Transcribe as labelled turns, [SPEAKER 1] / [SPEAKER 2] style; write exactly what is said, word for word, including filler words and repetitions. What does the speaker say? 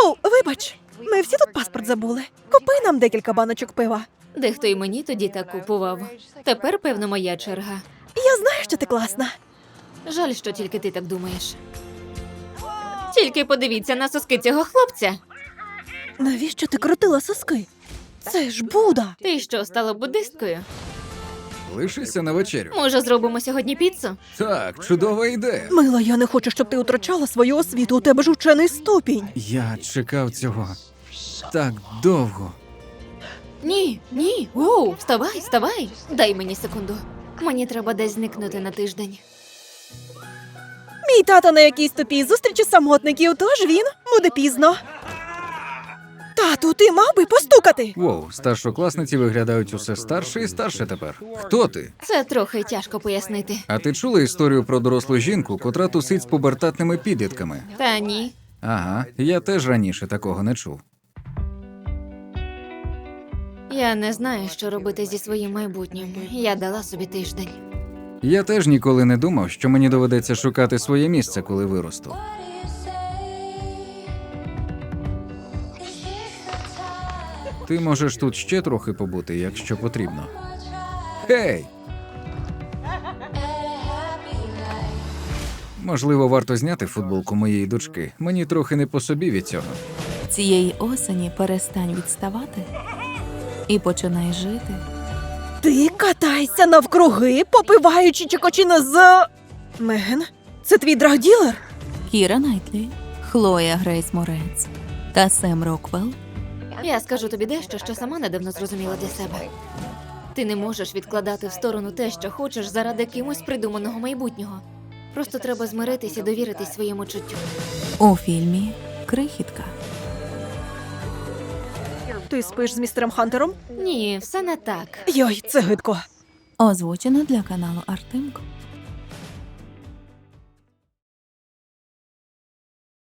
[SPEAKER 1] Воу, вибач, ми всі тут паспорт забули. Купи нам декілька баночок пива.
[SPEAKER 2] Дехто і мені тоді так купував. Тепер, певно, моя черга.
[SPEAKER 1] Я знаю, що ти класна.
[SPEAKER 2] Жаль, що тільки ти так думаєш. Тільки подивіться на соски цього хлопця.
[SPEAKER 1] Навіщо ти крутила соски? Це ж Буда.
[SPEAKER 2] Ти що, стала буддисткою?
[SPEAKER 3] Лишися на вечерю.
[SPEAKER 2] Може, зробимо сьогодні піцу?
[SPEAKER 3] Так, чудова ідея.
[SPEAKER 1] Мила, я не хочу, щоб ти втрачала свою освіту. У тебе ж учений ступінь.
[SPEAKER 3] Я чекав цього так довго.
[SPEAKER 2] Ні, ні. Оу, вставай, вставай. Дай мені секунду. Мені треба десь зникнути на тиждень.
[SPEAKER 1] Мій тато на якійсь тупій зустрічі самотників, тож він буде пізно. Тату, ти мав би постукати.
[SPEAKER 3] Воу, старшокласниці виглядають усе старше і старше тепер. Хто ти?
[SPEAKER 2] Це трохи тяжко пояснити.
[SPEAKER 3] А ти чула історію про дорослу жінку, котра тусить з пубертатними підлітками?
[SPEAKER 2] Та ні.
[SPEAKER 3] Ага, я теж раніше такого не чув.
[SPEAKER 2] Я не знаю, що робити зі своїм майбутнім. Я дала собі тиждень.
[SPEAKER 3] Я теж ніколи не думав, що мені доведеться шукати своє місце, коли виросту. Ти можеш тут ще трохи побути, якщо потрібно. Гей! Можливо, варто зняти футболку моєї дочки. Мені трохи не по собі від цього.
[SPEAKER 4] Цієї осені перестань відставати і починай жити.
[SPEAKER 1] Ти катайся навкруги, попиваючи чекочина з... Меган, це твій драгділер?
[SPEAKER 4] Кіра Найтлі, Хлоя Грейс Морец та Сем Роквелл.
[SPEAKER 2] Я скажу тобі дещо, що сама недавно зрозуміла для себе. Ти не можеш відкладати в сторону те, що хочеш, заради кимось придуманого майбутнього. Просто треба змиритись і довіритись своєму чуттю.
[SPEAKER 4] У фільмі «Крихітка».
[SPEAKER 1] Ти спиш з містером Хантером?
[SPEAKER 2] Ні, все не так.
[SPEAKER 1] Йой, це гидко.
[SPEAKER 4] Озвучено для каналу Артемко.